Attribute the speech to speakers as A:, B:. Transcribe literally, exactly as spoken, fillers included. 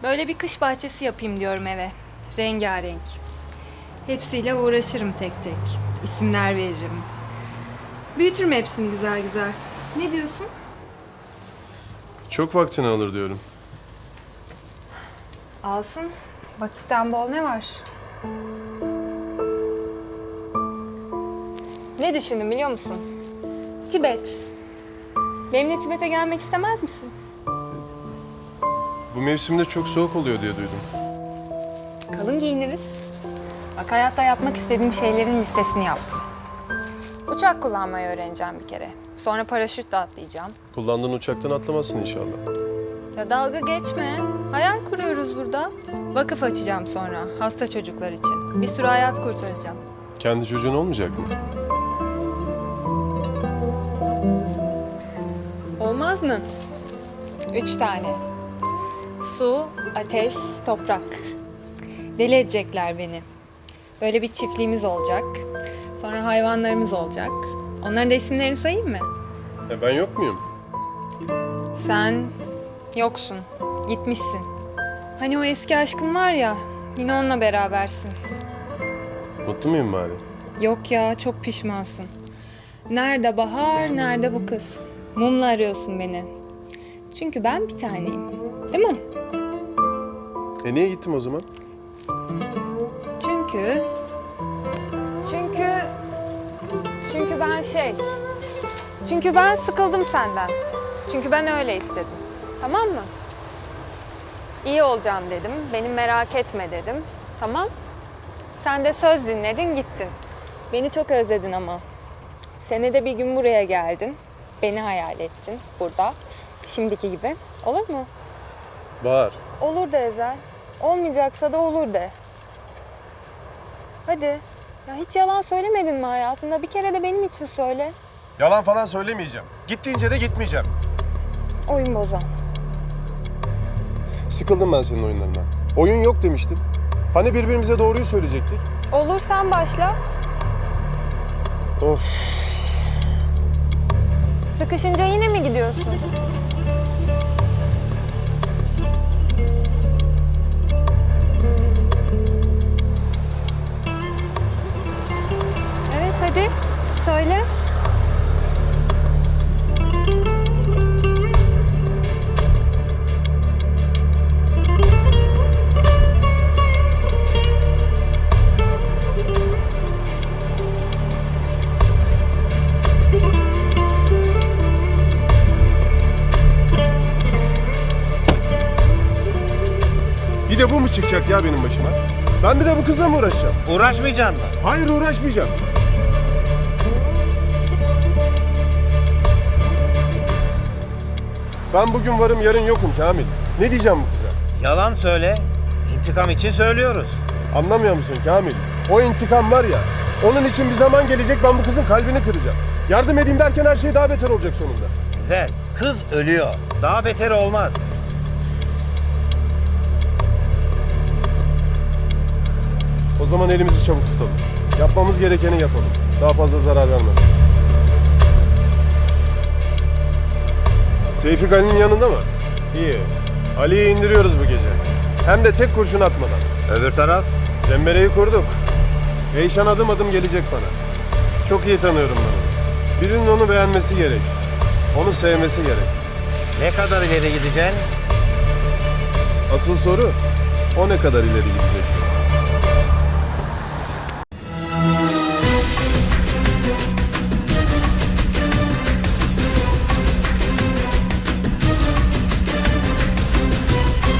A: Böyle bir kış bahçesi yapayım diyorum eve. Rengarenk. Hepsiyle uğraşırım tek tek. İsimler veririm. Büyütürüm hepsini güzel güzel. Ne diyorsun?
B: Çok vaktini alır diyorum.
A: Alsın. Vakitten bol ne var? Ne düşündüm biliyor musun? Tibet. Benimle Tibet'e gelmek istemez misin?
B: Bu mevsimde çok soğuk oluyor diye duydum.
A: Kalın giyiniriz. Bak hayatta yapmak istediğim şeylerin listesini yaptım. Uçak kullanmayı öğreneceğim bir kere. Sonra paraşütle atlayacağım.
B: Kullandığın uçaktan atlamazsın inşallah.
A: Ya dalga geçme. Hayal kuruyoruz burada. Vakıf açacağım sonra hasta çocuklar için. Bir sürü hayat kurtaracağım.
B: Kendi çocuğun olmayacak mı?
A: Olmaz mı? Üç tane. Su, ateş, toprak. Deli edecekler beni. Böyle bir çiftliğimiz olacak. Sonra hayvanlarımız olacak. Onların da isimlerini sayayım mı?
B: E ben yok muyum?
A: Sen yoksun. Gitmişsin. Hani o eski aşkın var ya, yine onunla berabersin.
B: Mutlu muyum bari?
A: Yok ya, çok pişmansın. Nerede Bahar, nerede bu kız? Mumla arıyorsun beni. Çünkü ben bir taneyim. Değil mi?
B: E niye gittim o zaman?
A: Çünkü... Çünkü... Çünkü ben şey... Çünkü ben sıkıldım senden. Çünkü ben öyle istedim. Tamam mı? İyi olacağım dedim. Beni merak etme dedim. Tamam. Sen de söz dinledin gittin. Beni çok özledin ama. Senede bir gün buraya geldin. Beni hayal ettin burada. Şimdiki gibi. Olur mu?
B: Bahar.
A: Olur de Ezel. Olmayacaksa da olur de. Hadi. Ya hiç yalan söylemedin mi hayatında? Bir kere de benim için söyle.
B: Yalan falan söylemeyeceğim. Git deyince de gitmeyeceğim.
A: Oyun bozan.
B: Sıkıldım ben senin oyunlarından. Oyun yok demiştin. Hani birbirimize doğruyu söyleyecektik?
A: Olur sen başla.
B: Of.
A: Sıkışınca yine mi gidiyorsun? Evet hadi söyle.
B: Bir de bu mu çıkacak ya benim başıma? Ben bir de bu kızla mı uğraşacağım?
C: Uğraşmayacaksın mı?
B: Hayır uğraşmayacağım. Ben bugün varım yarın yokum Kamil. Ne diyeceğim bu kıza?
C: Yalan söyle. İntikam için söylüyoruz.
B: Anlamıyor musun Kamil? O intikam var ya, onun için bir zaman gelecek ben bu kızın kalbini kıracağım. Yardım edeyim derken her şey daha beter olacak sonunda.
C: Güzel. Kız ölüyor. Daha beteri olmaz.
B: O zaman elimizi çabuk tutalım. Yapmamız gerekeni yapalım. Daha fazla zarar vermeden. Tevfik Ali'nin yanında mı? İyi. Ali'yi indiriyoruz bu gece. Hem de tek kurşun atmadan.
C: Öbür taraf?
B: Zembereyi kurduk. Eyşan adım adım gelecek bana. Çok iyi tanıyorum ben onu. Birinin onu beğenmesi gerek. Onu sevmesi gerek.
C: Ne kadar ileri gideceksin?
B: Asıl soru o ne kadar ileri gidecek?